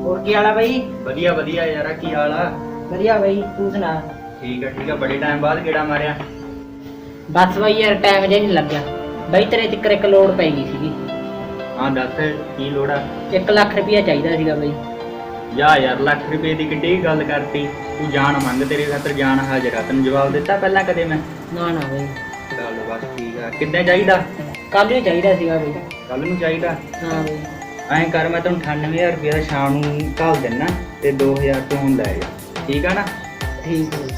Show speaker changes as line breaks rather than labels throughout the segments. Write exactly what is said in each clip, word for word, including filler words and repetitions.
ਹੋਰ ਕੀ ਹਾਲ ਆ ਬਾਈ?
ਵਧੀਆ ਵਧੀਆ ਯਾਰਾ, ਕੀ ਹਾਲ ਆ?
ਵਧੀਆ ਬਾਈ, ਤੂੰ ਸੁਣਾ?
ਠੀਕ ਆ ਠੀਕ ਆ, ਬੜੇ ਟਾਈਮ ਬਾਅਦ ਗੇੜਾ ਮਾਰਿਆ।
ਬਸ ਬਾਈ ਯਾਰ ਟਾਈਮ ਜਿਹਾ ਨਹੀਂ ਲੱਗਿਆ ਬਾਈ, ਤੇਰੇ ਤਿੱਕਰ ਇੱਕ ਲੋੜ ਪੈ ਗਈ ਸੀਗੀ।
ਹਾਂ ਦੱਸ, ਕੀ ਲੋੜ ਆ?
ਇੱਕ ਲੱਖ ਰੁਪਇਆ ਚਾਹੀਦਾ ਸੀਗਾ ਬਾਈ।
ਜਾ ਯਾਰ, ਲੱਖ ਰੁਪਏ ਦੀ ਕਿੱਡੀ ਗੱਲ ਕਰਤੀ ਤੂੰ। ਜਾਨ ਮੰਗ, ਤੇਰੇ ਖਾਤਰ ਜਾਨ ਹਾਜ਼ਰ ਆ। ਤੈਨੂੰ ਜਵਾਬ ਦਿੱਤਾ ਪਹਿਲਾਂ ਕਦੇ ਮੈਂ?
ਨਾ ਨਾ ਬਾਈ।
ਚੱਲ ਬਸ ਠੀਕ ਆ। ਕਿੱਦਾਂ ਚਾਹੀਦਾ?
ਕੱਲ ਨੂੰ ਚਾਹੀਦਾ ਸੀਗਾ ਬਾਈ।
ਕੱਲ ਨੂੰ ਚਾਹੀਦਾ?
ਹਾਂ ਬਾਈ।
ਐਂ ਕਰ, ਮੈਂ ਤੈਨੂੰ ਅਠਾਨਵੇਂ ਹਜ਼ਾਰ ਰੁਪਇਆ ਸ਼ਾਮ ਨੂੰ ਘੱਲ ਦਿੰਦਾ ਤੇ ਦੋ ਹਜ਼ਾਰ ਤੂੰ ਹੁਣ ਲੈ ਜਾ, ਠੀਕ ਆ ਨਾ?
ਠੀਕ ਹੈ।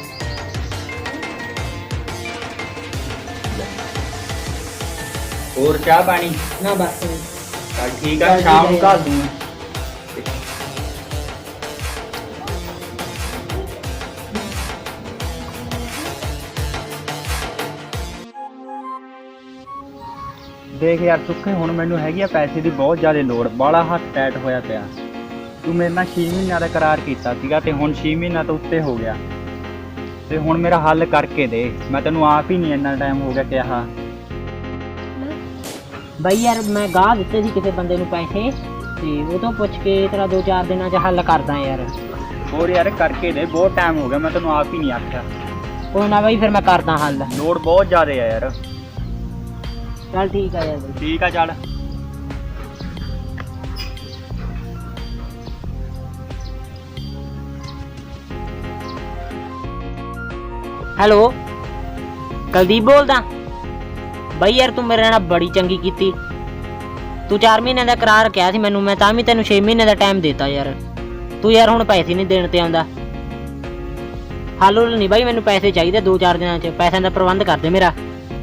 ਹੋਰ ਚਾਹ ਪਾਣੀ?
ਨਾ ਬਸ ਬਾਈ।
ਚੱਲ ਠੀਕ ਆ, ਸ਼ਾਮ ਨੂੰ ਘੱਲ ਦੂੰਗਾ। ਦੇਖ ਯਾਰ ਸੁੱਖੇ, ਹੁਣ ਮੈਨੂੰ ਹੈਗੀ ਆ ਪੈਸੇ ਦੀ ਬਹੁਤ ਜ਼ਿਆਦਾ ਲੋੜ। ਬਾਹਲਾ ਹੱਥ ਟੈਟ ਹੋਇਆ ਪਿਆ। ਤੂੰ ਮੇਰੇ ਨਾਲ ਛੇ ਮਹੀਨਿਆਂ ਦਾ ਕਰਾਰ ਕੀਤਾ ਸੀਗਾ ਤੇ ਹੁਣ ਛੇ ਮਹੀਨਿਆਂ ਤੋਂ ਉੱਤੇ ਹੋ ਗਿਆ ਤੇ ਹੁਣ ਮੇਰਾ ਹੱਲ ਕਰਕੇ ਦੇ। ਮੈਂ ਤੈਨੂੰ ਆਪ ਹੀ ਨਹੀਂ ਇੰਨਾ ਟਾਈਮ ਹੋ ਗਿਆ ਕਿਹਾ।
ਬਾਈ ਯਾਰ ਮੈਂ ਗਾਹ ਦਿੱਤੇ ਸੀ ਕਿਸੇ ਬੰਦੇ ਨੂੰ ਪੈਸੇ, ਤੇ ਉਹ ਤੋਂ ਪੁੱਛ ਕੇ ਤੇਰਾ ਦੋ ਚਾਰ ਦਿਨਾਂ 'ਚ ਹੱਲ ਕਰਦਾ ਯਾਰ।
ਹੋਰ ਯਾਰ ਕਰਕੇ ਦੇ, ਬਹੁਤ ਟਾਈਮ ਹੋ ਗਿਆ। ਮੈਂ ਤੈਨੂੰ ਆਪ ਹੀ ਨਹੀਂ ਆਖਿਆ।
ਕੋਈ ਨਾ ਬਾਈ, ਫਿਰ ਮੈਂ ਕਰਦਾ ਹੱਲ।
ਲੋੜ ਬਹੁਤ ਜ਼ਿਆਦਾ ਆ ਯਾਰ।
ਚੱਲ ਠੀਕ ਆ ਯਾਰ ਬਾਈ।
ਠੀਕ ਆ ਚੱਲ।
ਹੈਲੋ, ਕੁਲਦੀਪ ਬੋਲਦਾ ਬਾਈ। ਯਾਰ ਤੂੰ ਮੇਰੇ ਨਾਲ ਬੜੀ ਚੰਗੀ ਕੀਤੀ। ਤੂੰ ਚਾਰ ਮਹੀਨਿਆਂ ਦਾ ਕਰਾਰ ਕਿਹਾ ਸੀ ਮੈਨੂੰ, ਮੈਂ ਤਾਂ ਵੀ ਤੈਨੂੰ ਛੇ ਮਹੀਨੇ ਦਾ ਟਾਈਮ ਦੇਤਾ ਯਾਰ। ਤੂੰ ਯਾਰ ਹੁਣ ਪੈਸੇ ਨਹੀਂ ਦੇਣ ਤੇ ਆਉਂਦਾ। ਹੱਲ ਹੁੱਲ ਨਹੀਂ ਬਾਈ, ਮੈਨੂੰ ਪੈਸੇ ਚਾਹੀਦੇ ਦੋ ਚਾਰ ਦਿਨਾਂ 'ਚ। ਪੈਸਿਆਂ ਦਾ ਪ੍ਰਬੰਧ ਕਰ ਦੇ ਮੇਰਾ।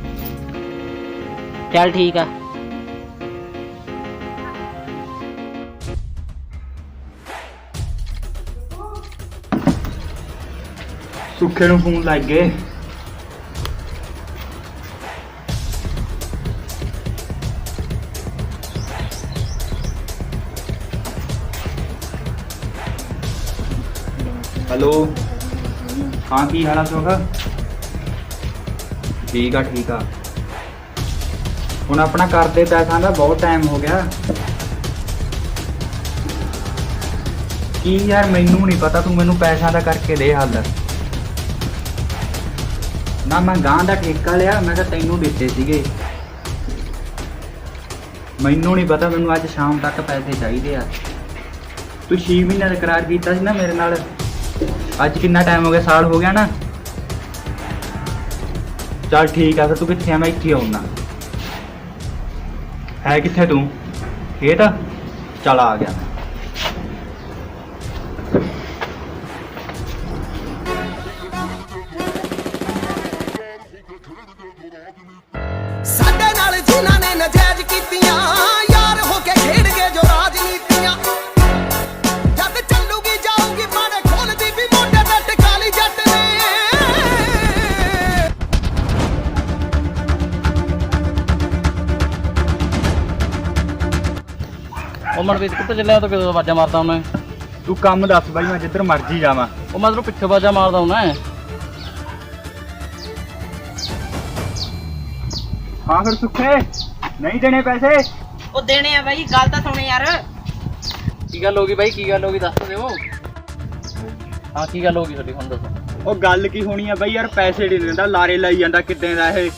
ਚੱਲ ਠੀਕ ਆ।
ਸੁੱਖੇ ਨੂੰ ਫੋਨ ਲੱਗ ਗਏ। ਹੈਲੋ, ਹਾਂ ਕੀ ਹਾਲ ਆ ਸੁੱਖ? ਠੀਕ ਆ ਠੀਕ ਆ। ਹੁਣ ਆਪਣਾ ਕਰਦੇ ਪੈਸਿਆਂ ਦਾ ਬਹੁਤ ਟਾਈਮ ਹੋ ਗਿਆ। ਕੀ ਯਾਰ, ਮੈਨੂੰ ਨਹੀਂ ਪਤਾ। ਤੂੰ ਮੈਨੂੰ ਪੈਸਿਆਂ ਦਾ ਕਰਕੇ ਦੇ ਹੱਲ। ਨਾ ਮੈਂ ਗਾਂ ਦਾ ਠੇਕਾ ਲਿਆ, ਮੈਂ ਤਾਂ ਤੈਨੂੰ ਦਿੱਤੇ ਸੀਗੇ। ਮੈਨੂੰ ਨਹੀਂ ਪਤਾ, ਮੈਨੂੰ ਅੱਜ ਸ਼ਾਮ ਤੱਕ ਪੈਸੇ ਚਾਹੀਦੇ ਆ। ਤੂੰ ਛੇ ਮਹੀਨਿਆਂ ਦਾ ਕਰਾਰ ਕੀਤਾ ਸੀ ਨਾ ਮੇਰੇ ਨਾਲ। ਅੱਜ ਕਿੰਨਾ ਟਾਈਮ ਹੋ ਗਿਆ? ਸਾਲ ਹੋ ਗਿਆ ਨਾ। ਚੱਲ ਠੀਕ ਆ, ਫਿਰ ਤੂੰ ਕਿੱਥੇ ਆ? ਮੈਂ ਇੱਥੇ ਆਉਣਾ। ਹੈ ਕਿੱਥੇ ਤੂੰ? ਖੇਤ? ਚੱਲ ਆ ਗਿਆ।
ਸਾਡੇ ਨਾਲ ਜਿਨ੍ਹਾਂ ਨੇ ਨਜਾਇਜ਼ ਕੀਤੀਆਂ, ਯਾਰ ਹੋ ਕੇ ਖੇਡ ਗਏ ਜੋ ਰਾਜਨੀਤੀਆਂ। ਜਦ ਚੱਲੂਗੀ ਜਾਊਗੀ ਮਾੜੇ ਖੋਲਦੀ ਵੀ ਮੋਢੇ ਤੇ ਟਕਾਲੀ ਜੱਟ ਨੇ।
ਉਹ ਮਨਵੀਰ ਕਿੱਥੇ ਚੱਲਿਆ? ਤੂੰ ਕਿਦੋਂ ਆਵਾਜ਼ਾਂ ਮਾਰਦਾ ਮੈਂ?
ਤੂੰ ਕੰਮ ਦੱਸ ਬਾਈ, ਮੈਂ ਜਿੱਧਰ ਮਰਜ਼ੀ ਜਾਵਾਂ।
ਉਹ ਮੈਂ ਤੈਨੂੰ ਪਿੱਛੇ ਆਵਾਜ਼ਾਂ ਮਾਰਦਾ ਹੁਣਾ।
ਹਾਂ ਫਿਰ ਸੁੱਖੇ, ਨਹੀਂ ਦੇਣੇ ਪੈਸੇ?
ਉਹ ਦੇਣੇ ਆ ਬਾਈ, ਗੱਲ ਤਾਂ ਸੁਣ ਯਾਰ।
ਕੀ ਗੱਲ ਹੋ ਗਈ ਬਾਈ? ਕੀ ਗੱਲ ਹੋ ਗਈ ਦੱਸ ਦਿਓ। ਹਾਂ ਕੀ ਗੱਲ ਹੋ ਗਈ ਤੁਹਾਡੀ, ਹੁਣ ਦੱਸੋ।
ਉਹ ਗੱਲ ਕੀ ਹੋਣੀ ਆ ਬਾਈ? ਯਾਰ ਪੈਸੇ ਨਹੀਂ ਦਿੰਦਾ, ਲਾਰੇ ਲਾਈ ਜਾਂਦਾ। ਕਿੱਦਾਂ ਦਾ ਇਹ?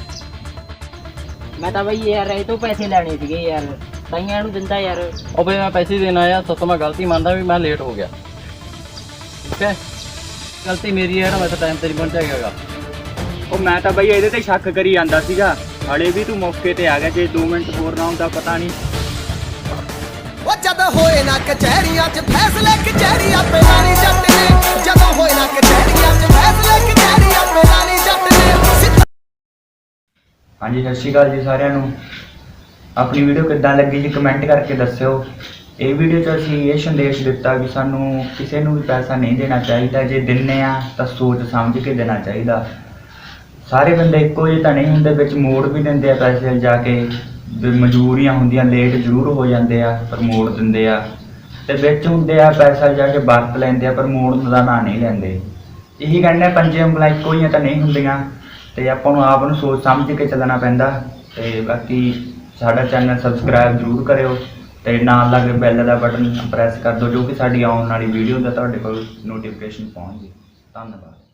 ਮੈਂ ਤਾਂ ਬਾਈ ਯਾਰ ਇਹ ਤੋਂ ਪੈਸੇ ਲੈਣੇ ਸੀਗੇ ਯਾਰ, ਤਾਈਆਂ ਨੂੰ ਦਿੰਦਾ ਯਾਰ।
ਉਹ ਬਈ ਮੈਂ ਪੈਸੇ ਦੇਣ ਆਇਆ, ਸੱਤੋਂ ਮੈਂ ਗਲਤੀ ਮੰਨਦਾ ਵੀ ਮੈਂ ਲੇਟ ਹੋ ਗਿਆ। ਠੀਕ ਹੈ, ਗਲਤੀ ਮੇਰੀ ਹੈ ਨਾ, ਮੈਂ ਤਾਂ ਟਾਈਮ ਤੇ ਨਹੀਂ ਪਹੁੰਚਿਆ ਹੈਗਾ।
ਉਹ ਮੈਂ ਤਾਂ ਬਾਈ ਇਹਦੇ ਤੇ ਸ਼ੱਕ ਕਰੀ ਜਾਂਦਾ ਸੀਗਾ। ਹਲੇ ਵੀ ਤੂੰ ਮੌਕੇ ਤੇ ਆ ਗਿਆ। ਜੇ ਦੋ ਮਿੰਟ ਹੋਰ ਨਾ ਹੁੰਦਾ ਪਤਾ ਨਹੀਂ।
ਉਹ ਜਦੋਂ ਹੋਏ ਨਾ ਕਚਹਿਰੀਆਂ 'ਚ ਫੈਸਲੇ, ਕਚਹਿਰੀਆਂ ਪੇ ਲਾਣੀ ਜੱਟ ਨੇ। ਜਦੋਂ ਹੋਏ ਨਾ ਕਚਹਿਰੀਆਂ 'ਚ ਫੈਸਲੇ, ਕਚਹਿਰੀਆਂ ਪੇ ਲਾਣੀ ਜੱਟ ਨੇ।
ਹਾਂਜੀ, ਸਤਿ ਸ਼੍ਰੀ ਅਕਾਲ ਜੀ ਸਾਰਿਆਂ ਨੂੰ। ਆਪਣੀ ਵੀਡੀਓ ਕਿੱਦਾਂ ਲੱਗੀ ਜੀ ਕਮੈਂਟ ਕਰਕੇ ਦੱਸਿਓ। ਇਹ ਵੀਡੀਓ 'ਚ ਅਸੀਂ ਇਹ ਸੰਦੇਸ਼ ਦਿੱਤਾ ਕਿ ਸਾਨੂੰ ਕਿਸੇ ਨੂੰ ਵੀ ਪੈਸਾ ਨਹੀਂ ਦੇਣਾ ਚਾਹੀਦਾ। ਜੇ ਦਿੰਦੇ ਆ ਤਾਂ ਸੋਚ ਸਮਝ ਕੇ ਦੇਣਾ ਚਾਹੀਦਾ। ਸਾਰੇ ਬੰਦੇ ਇੱਕੋ ਜਿਹੇ ਤਾਂ ਨਹੀਂ ਹੁੰਦੇ, ਵਿੱਚ ਮੋੜ ਵੀ ਦਿੰਦੇ ਆ ਪੈਸੇ ਜਾ ਕੇ। ਮਜਬੂਰੀਆਂ ਹੁੰਦੀਆਂ, ਲੇਟ ਜ਼ਰੂਰ ਹੋ ਜਾਂਦੇ ਆ ਪਰ ਮੋੜ ਦਿੰਦੇ ਆ। ਤੇ ਵਿੱਚ ਹੁੰਦੇ ਆ ਪੈਸਾ ਜਾ ਕੇ ਵਰਤ ਲੈਂਦੇ ਆ ਪਰ ਮੋੜਨ ਦਾ ਨਾਂ ਨਹੀਂ ਲੈਂਦੇ। ਇਹੀ ਕਹਿੰਦੇ ਪੰਜੇ ਉਂਗਲਾਂ ਇੱਕੋ ਜਿਹੀਆਂ ਤਾਂ ਨਹੀਂ ਹੁੰਦੀਆਂ ਤੇ ਆਪਾਂ ਨੂੰ ਆਪ ਨੂੰ ਸੋਚ ਸਮਝ ਕੇ ਚੱਲਣਾ ਪੈਂਦਾ। ਤੇ ਬਾਕੀ ਸਾਡਾ ਚੈਨਲ ਸਬਸਕ੍ਰਾਈਬ ਜ਼ਰੂਰ ਕਰਿਓ ਤੇ ਨਾਲ ਲੱਗੇ ਬੈਲ ਦਾ ਬਟਨ ਪ੍ਰੈਸ ਕਰ ਦਿਓ ਜੋ ਕਿ ਸਾਡੀ ਆਉਣ ਵਾਲੀ ਵੀਡੀਓ ਦਾ ਤੁਹਾਡੇ ਕੋਲ ਨੋਟੀਫਿਕੇਸ਼ਨ ਪਹੁੰਚ ਜੇ। ਧੰਨਵਾਦ।